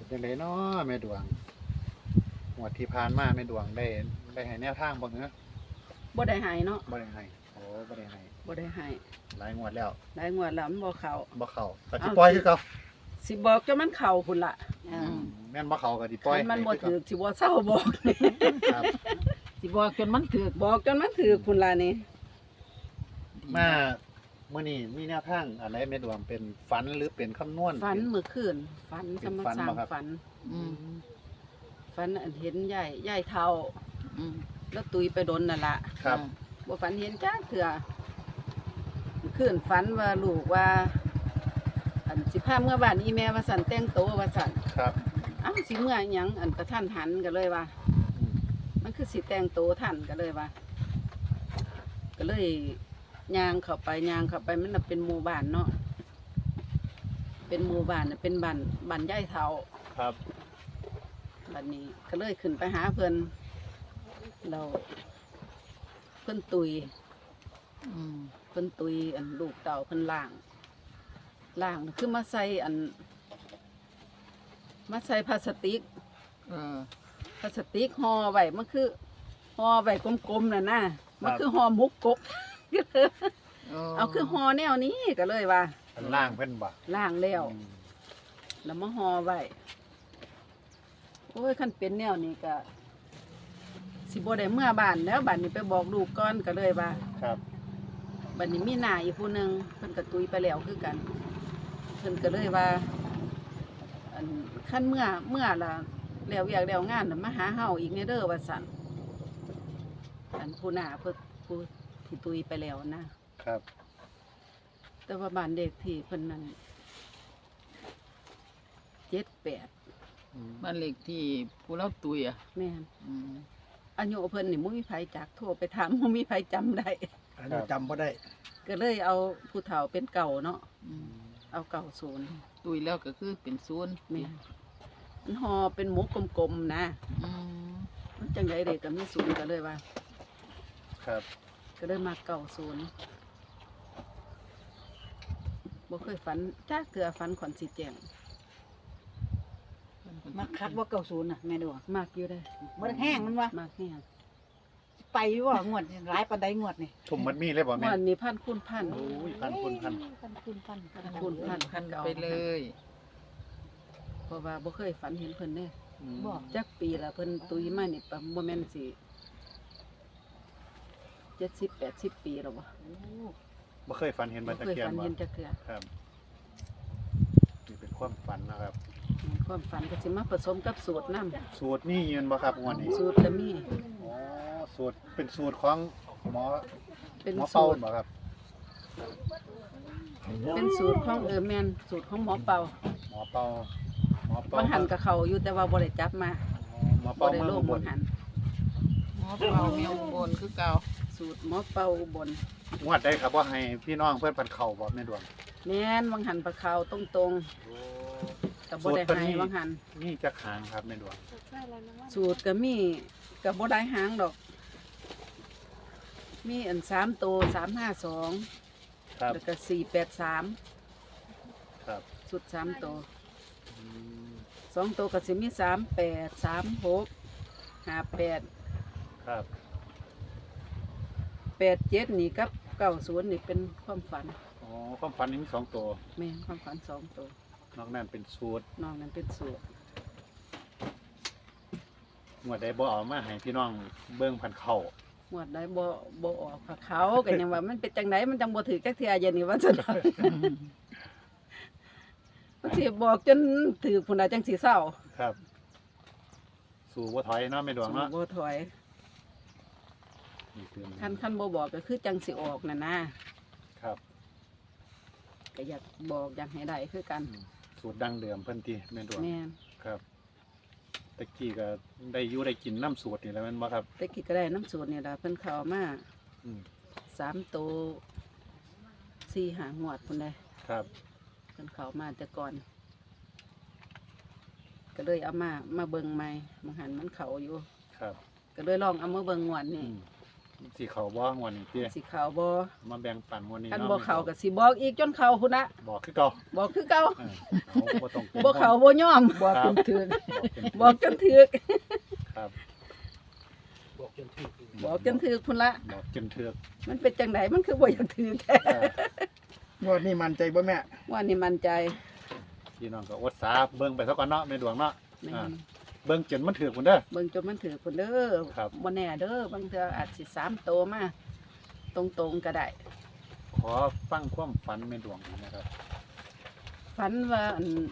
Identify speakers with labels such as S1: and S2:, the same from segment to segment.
S1: จังไดเนาะแม่ดวงงวดที่ผ่านมาแม่ดวงได้ให้แนวทางบ่เหรอ
S2: บ่ได้ให้เนาะ
S1: บ่ได้ให้โอ้บ่ได้ให้
S2: บ่ได้ให้
S1: หลายงวดแล้ว
S2: หลายงวดแล้วมันบ่เข้า
S1: บ่เข้าก็สิปล่อยคือเก่า
S2: สิบอกจนมันเข้าพุ่นล่ะ
S1: แม่นบ่เข้าก็สิปล่อย
S2: คันมันบ่ถูกสิบ่เศร้าบอก
S1: ครับ
S3: สิบอกจนมันถึก
S2: บอกจนมันถูกพุ่นล่ะนี่
S1: มามื้อนี้มีแนวทางอะไรแม่ดวงเป็นฝันหรือเป็นคำนวณ
S2: ฝันเมื่อคืนฝัน
S1: เป็
S2: ธร
S1: น
S2: รม
S1: ฝัน
S2: ชา
S1: บ่
S2: ติ
S1: ครับ
S2: ฝัน
S3: อืม
S2: ฝันอันเห็นยายเฒ่า
S3: อืม
S2: แล้วตุยไปดนนั่นล่ะ
S1: ครับ
S2: บ่ฝันเห็นจ้าเถื่อเมื่อคืนฝันว่าลูกว่า อันสิพาเมื่อบ้านอีแม่ว่าสั่นแต่งโตวว่าสั่น
S1: ครับ
S2: อ้าวสิเมื่อหยังอันกระทันหันก็เลยว่า
S1: อืม
S2: มันคือสิแต่งโตวทันก็เลยว่า ก็เลยย่างเข้าไปมันน่ะเป็นหมู่บ้านเนาะเป็นหมู่บ้านน่ะเป็นบ้านยายเฒ่า
S1: ครับ
S2: บัดนี้ก็เลยขึ้นไปหาเพิ่นเราเพิ่นตุย
S3: อืม
S2: เพิ่นตุยอันลูกเต่าเพิ่นล่างน่ะคือมาใส่พลาสติก
S3: เออ
S2: พลาสติกห่อไว้มันคือห่อไว้กลมๆน่ะนะมันคือห่อหมุกกบ เอาคือห่อแนวนี้ก็เลยว่า
S1: อันล่างเพิ่นบ่
S2: ล่างแล้ว
S1: อืม
S2: แล้วมาห่อไว้โอ้ยคันเป็นแนวนี้ก็สิบ่ได้เมื่อบ้านแล้วบ้านนี้ไปบอกลูกก่อนก็เลยว่า
S1: ครับ
S2: บัดนี้มีหน้าอีกผู้หนึงเพิ่นก็ตุยไปแล้วคือกันเพิ่นก็เลยว่าอันขั้นเมื่อละแล้วอยากแล้วงานน่ะมาหาเฮาอีกในเด้อว่าซั่นอันผู้หน้าเพิ่นผู้ที่ตุยไปแล้วนะครับ แต่ว่าบ้านเด็กที่เพิ่นนั้น78
S1: อืม
S3: บ้านเลขที่ผู้เล่าตุยอ่ะ
S2: แม่น
S3: อืม
S2: อายุเพิ่นนี่บ่มีไผจักโทรไปถามบ่มีไผจำได้
S4: อันนี้จำบ่ได้
S2: ก็เลยเอาผู้เฒ่าเป็นเก่าเนาะ
S3: อืม
S2: เอาเก่าศูนย์
S3: ตุยแล้วก็คือเป็นศูนย์
S2: แม่นมันห่อเป็นหมูกลมๆนะ
S3: อืม
S2: มันจังไดเด็กก็มีศูนย์ก็เลยว่า
S1: ครับ
S2: ก็เลยมาเก่าศูนย์บ่เคยฝันจ้าเกลือฝันขอนสีแจง
S5: มักคักว่า90น่ะแม่ดวง
S2: มากอยู่ได้
S5: บ่ได้แห้งมันวะ
S2: มากเนี่ย
S5: ไปว่างวดนี่หลายปานใดงวดนี่
S1: ทุ่มมันมีเลยบ่แม่
S2: วันนี้พันคูณพัน
S1: โอ้ยพันคุณพัน
S5: พันคูณพัน
S2: คูณพัน
S3: พันไปเลย
S2: เพราะว่าบ่เคยฝันเห็นเพิ่นเด้
S1: อืม
S5: บอก
S2: จักปีละเพิ่นตุยมานี่ประบ่แม่นสิ70-80 ปีแล้วบ่
S5: โอ้
S1: บ่เคยฝันเห็น
S2: บ่
S1: บัตะ
S2: เคย
S1: เกียน
S2: ฝัน
S1: บ่
S2: เห็นจักเทื่อ
S1: ครับนี่เป็นความฝันนะครับ
S2: ความฝันก็สิมาผสมกับสูตรนำ
S1: สูตรนี่ยืนบ่ครับงวดนี้
S2: สูตรก็มี
S1: อ๋อสูตรเป็นสูตรของหมอ
S2: เป็น
S1: หมอ
S2: สู
S1: เป่า
S2: ตร
S1: บ่ครับ
S2: เป็นสูตรของแม่นสูตรของหมอเป่า
S1: หมอเป่าหมอเป่า
S2: บางหันกับเขาอยู่แต่ว่าบ่ได้จับมา
S1: อ๋อหมอ
S2: บ่
S1: เป่า
S2: ได้
S1: เมื
S2: โล
S1: อง
S2: ก
S1: อุบ
S2: บ
S1: ล
S2: นหัน
S3: หมอเป่าเมียอุบลคือเก่า
S2: สูตรหมอเป่าอุบน
S1: งวดได้ครับว่าให้พี่น้องเพื่อนพันเข่าบ่แม่ดวง
S2: แม่นบางหันปลาเขาตรง
S1: โอ้
S2: ๆกับบ่ได้ให้บางหัน
S1: นี่จักหางครับแม่ดวง
S2: สูตรก็มีกับบ่ได้หางดอก มีอัน3ตัว352
S1: ครับ
S2: แล้วก็483
S1: ครับ
S2: สูตร3ตัว
S1: อืม
S2: 2ตัวก็สิมี38 36 58
S1: ครับ
S2: 87นี่กับ90นี่เป็นความฝัน
S1: อ๋อความฝันนี้มี2ตัว
S2: แม่นความฝัน2ตัวน
S1: อกนั้นเป็นสูตร
S2: นอกนั้นเป็นสูตร
S1: งวดได้บ่เอามาให้พี่น้องเบิ่งพันเข่า
S2: หมวดได้บ่ออกค่ะเขาก็ยังว่ามันเป็นจังไดมันจังบ่ถือจักเทื่อเย็นนี่ว่าซั่น มันสิบอกจนถือพุ่นน่ะจังสิเศร้า
S1: ครับ สู่บ่ถอยเนาะแม่ดวงเนาะ
S2: บ่ถอย
S1: นี่คือ
S2: คันบ่บอกก็คือจังสิออกน่ะนะครับ ก็อยากบอกอยากให้ได้คือกัน
S1: อืมสูตรดั้งเดิมเพิ่นติแม่ดวง
S2: แม่น
S1: ครับตะกี้ก็ได้อยู่ได้กินน้ำสูตรนี่แหล้วแม่นบ่ครับ
S2: แต่กี้ก็ได้น้ำสูตรนี่ล่ะเพิ่นเข้ามา
S1: อืม
S2: 3ตัว4-5งวดพุ่นได้
S1: ครับ
S2: เพิ่นเข้ามาแต่ก่อน ก็เลยเอามาเบิ่งใหม่บางหันมันเข้าอยู่
S1: ครับ
S2: ก็เลยลองเอามาเบิ่งงวด
S1: อื
S2: นี่
S1: มสิเขาบ่งวันนี้เตี้ย
S2: สิเข้าบ่
S1: มาแบ่งปันวันนี้
S2: คัน
S1: เนาะ
S2: บ่เข้าก็สิบอกอีกจนเข้าพุ่นน่ะ
S1: บอกคือเก่า
S2: บอกคือเก่า
S1: เอาบ่ต้องกลัว
S2: บ่เข้าบ่ยอมบอกจนถึกบอกจนถึก
S1: ครับ
S2: บอกจนถึกพุ่นละ
S1: บอกจนเถือก
S2: มันเป็นจังไดมันคือบ่อยากถึกแท้
S4: งวดนี้มั่นใจบ่แม่
S2: ว่านี่มั่นใจ
S1: พี่น้องก็อดสาเบิ่งไปซะก่อนเนาะแม่ดวงเนาะ
S2: แม่น
S1: เบิ่งจนมันถือกพุ่นเด้อ
S2: เบิ่งจนมันถึกพุ่นเด้อ
S1: ครับ
S2: บ่แน่เด้อบางเทื่ออาจสิ3โตมาตรงๆก็ได้
S1: ขอฟังความฝันแม่ดวงหน่อยนะครับ
S2: ฝันว่า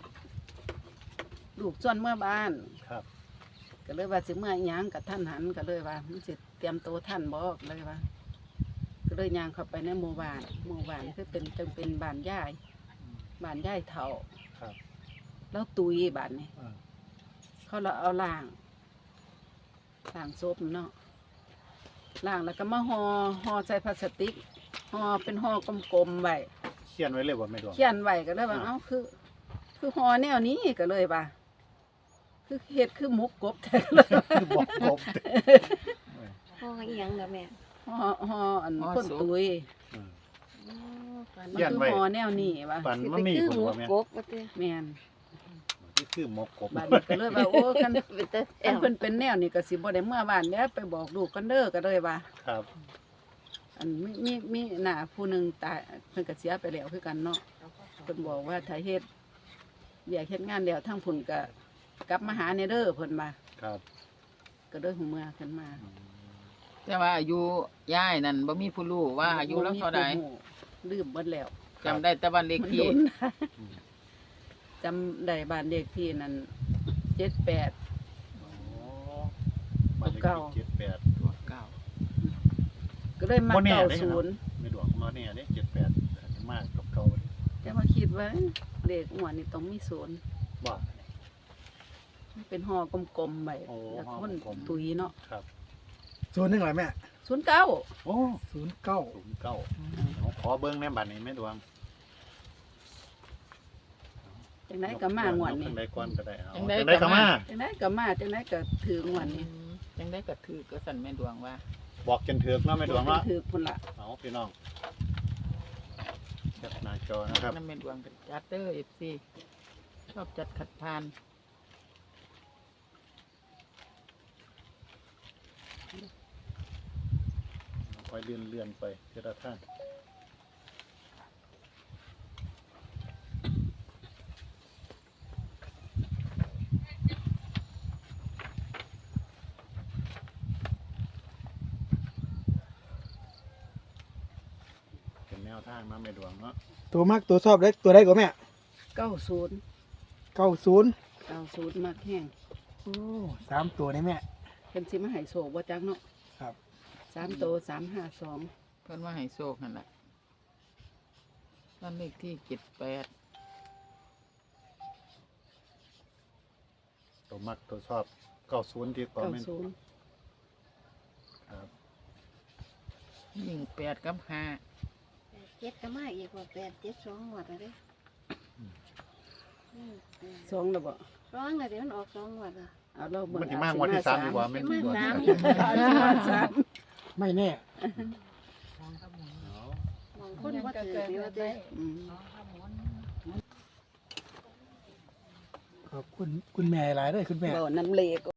S2: ลูกส่วนเมื่อบ้าน
S1: ครับ
S2: ก็เลยว่าสิเมื่อหยังกับท่านหันก็เลยว่ามันสิเตรียมตัวท่านบอกเลยว่า ก็เลยย่างเข้าไปในหมู่บ้านคือเป็นจังเป็นบ้านยายบ้านยายเฒ่า
S1: ครับ
S2: แล้วตุยบ้านนี้
S1: อ่า
S2: เขาเราเอาล่างศพเนาะล่างแล้วก็มาห่อใส่พลาสติกห่อเป็นห่อกลมๆไว้
S1: เขียนไว้เลยว่าแม่ดวง
S2: เขียนไว้ก็เลยว่า
S1: อ่า
S2: เอ้าคือห่อแนวนี้ก็เลยว่าคือเฮ็ดคือหมกกบแท้เลย
S1: คือบอกกบ
S6: พ่ออีหยังเด้อแม่
S2: ห่ออันคนตุย
S1: อืม
S6: อ๋อฝัน
S2: มัน
S1: เขียน
S2: คือ
S1: ไว้
S2: ห่อแนวนี้ว่า
S1: ฝัน
S6: สิ
S1: มัน
S6: ไป
S1: มี
S6: คือ
S1: พุ่น
S6: หมู
S1: ว่าแม่
S6: กบว่าติ
S2: แม่น
S1: ที่คือหมกกบ
S2: บ้านนี้ก็เลยว่าโอ้คัน
S6: เป็นแต่แอ
S2: คัน
S6: ว
S2: เพิ่นเป็นแนวนี้ก็สิบ่ได้เมื่อบ้านแล้วไปบอกลูกกันเด้อก็เลยว่า
S1: ครับ
S2: อันมีหน้าผู้หนึงตายเพิ่นก็เสียไปแล้วคือกันเนาะเพิ่นบอกว่าถ้าเฮ็ดอยากเฮ็ดงานแล้วทั้งพุ่นก็กลับมาหาในเด้อเพิ่นมา
S1: ครับ
S2: ก็เลยหูเมื่อขึ้นมา
S1: อืม
S3: แต่ว่าอายุย่ายนั่นบ่มีผู้รู้ว่าอายุเราเท่าใด
S2: บ่มีผู้รู้ลืมเบิดแล้ว
S3: จำได้แต่วันเลข
S2: มัน
S3: ที่
S2: โดน
S1: อืม
S2: จำได้บ้านเลขที่นั่น78
S1: โอ้บ้านเลข
S2: เก่า
S1: ที่78
S3: ตัวเก้า
S2: ก็เลยมา
S1: บ่แน่
S2: เก้า
S1: เด้
S2: ศูนย์
S1: ไม่ดวงมาเนี่ยเด้78อาจจะมากกับเก่าเด้
S2: แต่ว่าคิดว่าเลขหัวนี่ต้องมีศูนย์
S1: ว่า
S2: มันเป็นห่อกลมๆไป
S1: โอ้
S2: แล้ว
S1: ห่อ
S2: คน
S1: กลมๆ
S2: ตุยเนาะ
S1: ครับ
S4: ศูนย์หนึ่งเหรอแม่
S2: 09
S1: โอ้
S4: 09
S1: 09เอาขอเบิ่งในบัดนี้แม่ดวง
S2: จังไดก็มางวดนี้
S1: จังไดก่อนก็ได้เอา
S3: จังใด
S1: จังไดก็มา
S2: จังไดก็มาจังไดก็ถืองวดนี้
S3: ยังได้กระถือก็สั่นแม่ดวงว่า
S1: บอกจนถึกเนาะแม่ดวงเนาะ
S2: ถือพุ่นละ
S1: เอาพี่น้องแคปหน้าจอนะครับ
S3: นั่นแม่ดวงกับจัดเด้อ FC ชอบจัดขัดพาน
S1: ค่อยเลื่อนๆไปทีละท่านเป็นแนวทางเนาะแม่ดวงเนาะ
S4: ตัวมักตัวชอบได้ตัวได้ก็แม่
S2: 90
S4: 90
S2: 90มากแห้ง
S4: โอ้3ตัวนี่แม่
S2: เพิ่นสิมาให้โชคบ่จักเนาะ
S4: ครับ
S2: 3โต352
S3: เพิ่นว่าให้โชคนั่นแหละนั่นเลขที่78
S1: ตัวมักตัวชอบ90ที่ก่อนแม่น
S2: 90
S1: ครับ
S3: ยิ่ง8กับ5
S6: เจ็ดก็มาอีกว่า872หมดแล้วเด้
S2: สองแล้วบ่
S6: ร้องเลยเดี๋ยวมันออก2หมดอ่ะ
S2: เอาเราเบิ่ง
S1: มันสิมางวดที่3ดีกว่าแม่น
S6: มา
S1: ดวง
S6: สาม
S2: อาจสิมาสาม
S4: ไม่แน่
S1: เอา
S6: มองคนบ่ถืออยู่ว่าติ
S2: อืม
S4: ขอบคุณคุณแม่หลายเด้อคุณแม่
S2: บ่นำเลข